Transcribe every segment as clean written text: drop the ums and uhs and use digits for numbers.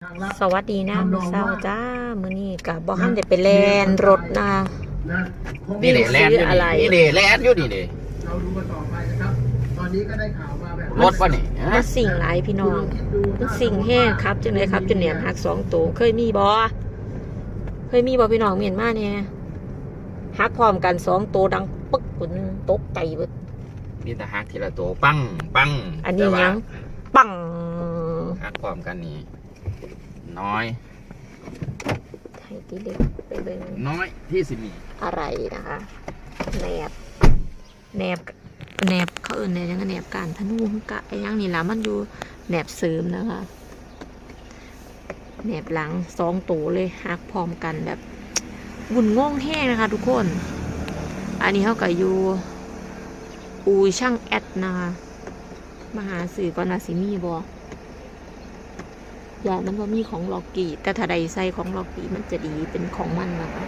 สวัสดีนะมื้อเช้าจ้ามื้อนี้ก็บ่ทันได้ไปแล่นรถนะนี่เด้แลนอยู่นี่เด้แลนอยู่นี่เด้เราดูกันต่อไปนะครับตอนนี้ก็ได้ข่าวมาแบบรถป่ะนี่มันสิ่งหลายพี่น้องมันสิ่งแห้งครับจังได๋ครับจนแหนมหัก2ตัวเคยมีบ่พี่น้องเมียนมาเนี่ยหักพร้อมกัน2ตัวดังปึ๊กคนนึงตกใจเบิดนี่แต่หักทีละตัวปังปังอันนี้ยังปังหักพร้อมกันนี่น้อยให้ติเล็กไปเบิ่งน้อยที่สิมีอะไรนะคะแหนบเขาเอิ้นแหนบยังแหนบการธนูกะไอ้ยังนี่ล่ะมันอยู่แหนบเสริมนะคะแหนบหลัง2ตัวเลยหักพร้อมกันแบบวุ่นง่องแห้งนะคะทุกคนอันนี้เขาก็อยู่อูช่างแอดนะคะมาหาสื่อก่อนนะสิมีบ่อย่ามันว่ามีของล็อกกี้แต่ถ้าใดใส่ของล็อกกี้มันจะดีเป็นของมันนะคะ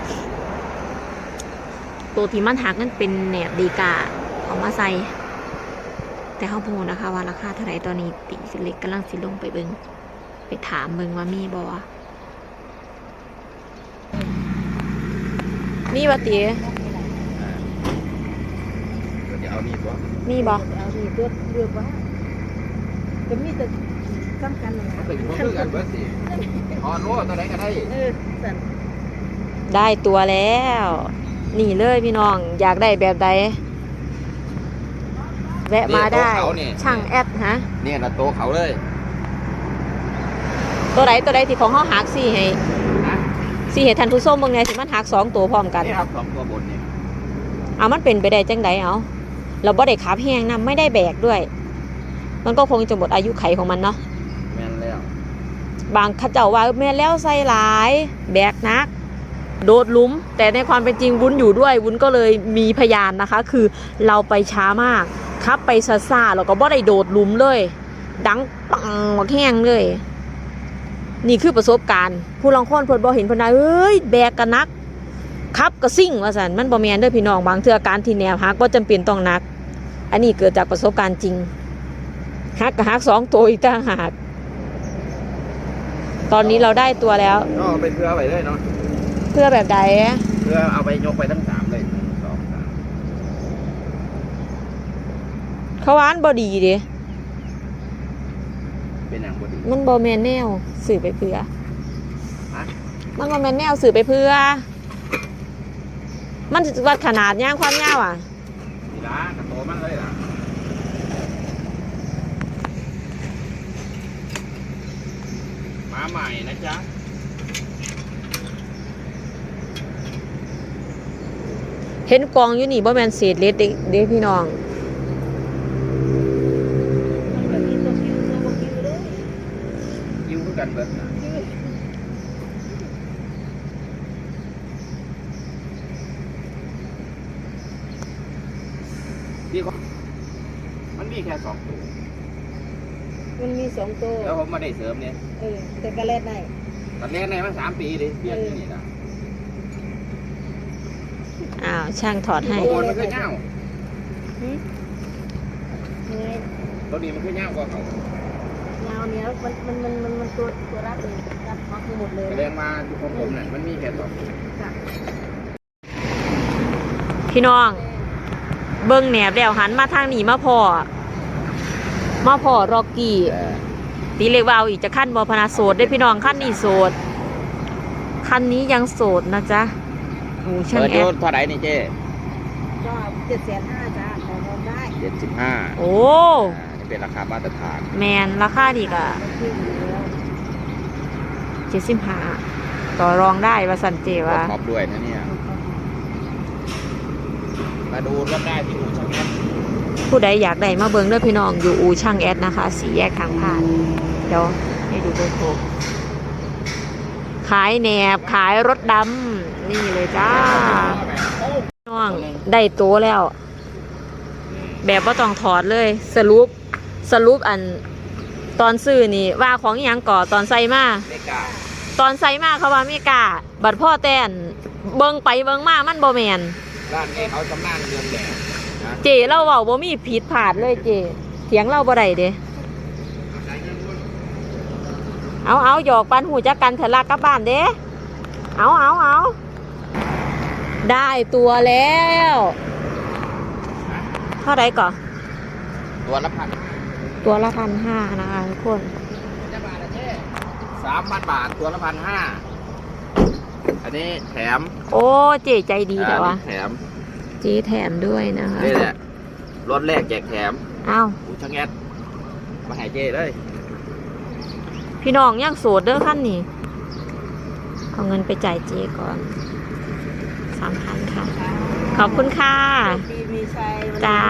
ตัวที่มันหักนั่นเป็นแหนบดีกาเอามาใส่แต่เขาพูดนะคะว่าราคาเท่าไหร่ตอนนี้ติสิเล็กกำลังสิลงไปเบิ่งไปถามเบิ่งว่ามีบ่มีบ่ติเดี๋ยวเอานี่บ่มีบ่เอาดีเลือกว่าจะมีแต่สำคัญนะเป็นพวกเพื่อนกันเบิดสิออนรู้ตัวไหนก็ได้สั่นได้ตัวแล้วนี่เลยพี่น้องอยากได้แบบใดแวะมาได้ช่างแอดฮะเนี่ยนะโตเขาเลยตัวใดที่ของเขาหักสี่ให้ท่านผู้ชมเบิ่งไงสิมันหัก2ตัวพร้อมกันนี่ครับ2ตัวบนนี่เอามันเป็นไปได้จังไดเอาเราบ่ได้ขับแห้งนำไม่ได้แบกด้วยมันก็คงจะหมดอายุไขของมันเนาะแม่นแล้วบางเขาเจ้าว่าแม่นแล้วใส่หลายแบกนักโดดหลุมแต่ในความเป็นจริงวุ้นอยู่ด้วยวุ้นก็เลยมีพยานนะคะคือเราไปช้ามากขับไปซ่าๆแล้วก็บ่ได้โดดหลุมเลยดังปังมาแห้งเลยนี่คือประสบการณ์ผู้ลองค้นเพิ่นบ่เห็นเพิ่นว่าเอ้ยแบกกันนักขับก็ซิ่งว่าซั่นมันบ่แม่นเด้อพี่น้องบางเทื่อการที่แนวหักบ่จำเป็นต้องนักอันนี้เกิดจากประสบการณ์จริงหักก็หัก2ตัวอีกต่างหากตอนนี้เราได้ตัวแล้วก็เอาไปเพื่อไว้เลยเนาะเพื่อแบบใดเพื่อเอาไปยกไปทั้ง3เลย1 2 3 เขาวานบ่ดีเด้เป็นอย่างบ่ดีมันบ่แม่นแนวสื่อไปเพื่อมันบ่แม่นแนวสื่อไปเพื่อมันวัดขนาดย่างความยาวอ่ะนี่ล่ะกระโตมันเลยล่ะมาใหม่นะจ๊ะเห็นกองอยู่นี่บ่แม่นเศษเล็ดเด้พี่น้องยิ้วคือกันเบิดนะพี่ก็มันมีแค่2ตัวมันมี2ตัวแล้วผมมาได้เสริมเนี่ยแต่ก็เล่นได้ตอนแรกในมัน3 ปีดิเปลี่ยนที่นี่นะอ้าวช่างถอดให้ตัวบนมันคือเง่าตัวนี้มันคือเง่ากว่าเขาเงาเนี้ยมันตัวรับเลยรับพักหมดเลยแสดงมาของผมเนี่ยมันมีแค่2ตัวพี่น้องเบิ่งแหนบแล้วหันมาทางนี้มาพอร็อกกี้ตีเล็กวาวอีกจะขั้นบอพนาโสดได้พี่น้องขั้นนี้โสดคันนี้ยังโสดนะจ๊ะโอ้ช่างแอดเท่าไหร่นี่เจ๊ก็750,000จ้าขอรองได้ 75 โอ้นี่เป็นราคามาตรฐานแมนราคาดีกะ75ต่อรองได้ว่าสันเจว่าท็อปด้วยนะเนี่ยมาดูรถได้ที่อู่ช่างแอดผู้ใดอยากได้มาเบิ่งด้วยพี่น้องอยู่อู่ช่างแอดนะคะ4 แยกทางผ่านเดี๋ยวให้ดูโลโก้ขายแหนบขายรถดำนี่เลยจ้าน้องได้ตัวแล้วแบบว่าต้องถอดเลยสรุปอันตอนซื้อนี่ว่าของอย่างก่อตอนใส่มาเขาว่าไม่กล้าบัดพ่อแต้นเบิ่งไปเบิ่งมามันบ่แมนร้านนี้เขาชำนาญเรื่องแหนบเจเราเว้าบ่มีผิดพลาดเลยเจเถียงเราบ่ได้เด้เอาหยอกปันหูจักกันเถอะลากกลับบ้านเด้เอาได้ตัวแล้วเท่าไรก่อนตัวละพันตัวละ1,500นะคะทุกคน 3,000 บาทตัวละ1,500อันนี้แถมโอ้เจ๊ใจดีแต่ว่าแถมเจ๊แถมด้วยนะคะนี่แหละรถแรกแจกแถมอ้าวอูช่างแอดมาให้เจ้เลยพี่น้องยังโสดเด้อขั้นนี้เอาเงินไปจ่ายเจ๊ก่อน3,000ค่ะขอบคุณค่ะปีมีชัยวันนี้จ้า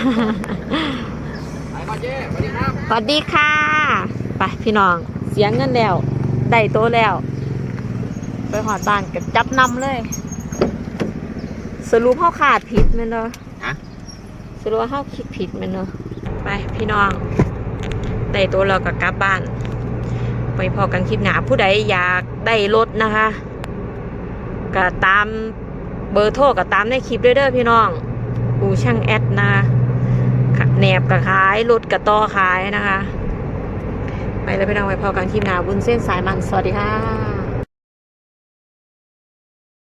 ไปก่อนเจ้สวัสดีครับสวัสดีค่ะ ไปพี่น้องเสียเงินแล้วได้โตะแล้ว ไปหอดบ้านกับจับนำเลย สรุปเขาขาดผิดไหมเนาะฮะสรุปว่าเขาคิดผิดไหมเนาะไปพี่น้องได้โตะเรากับกลับบ้าน ไปพอกันคลิปหนาผู้ใดอยากได้รถนะคะก็ตามเบอร์โทรก็ตามในคลิปเด้อพี่น้องอูช่างแอดนะคะแหนบกับขายรถกับต่อขายนะคะ ไปแล้วพี่น้องไปพอกันคลิปหนาบุญเส้นสายมันสวัสดีค่ะ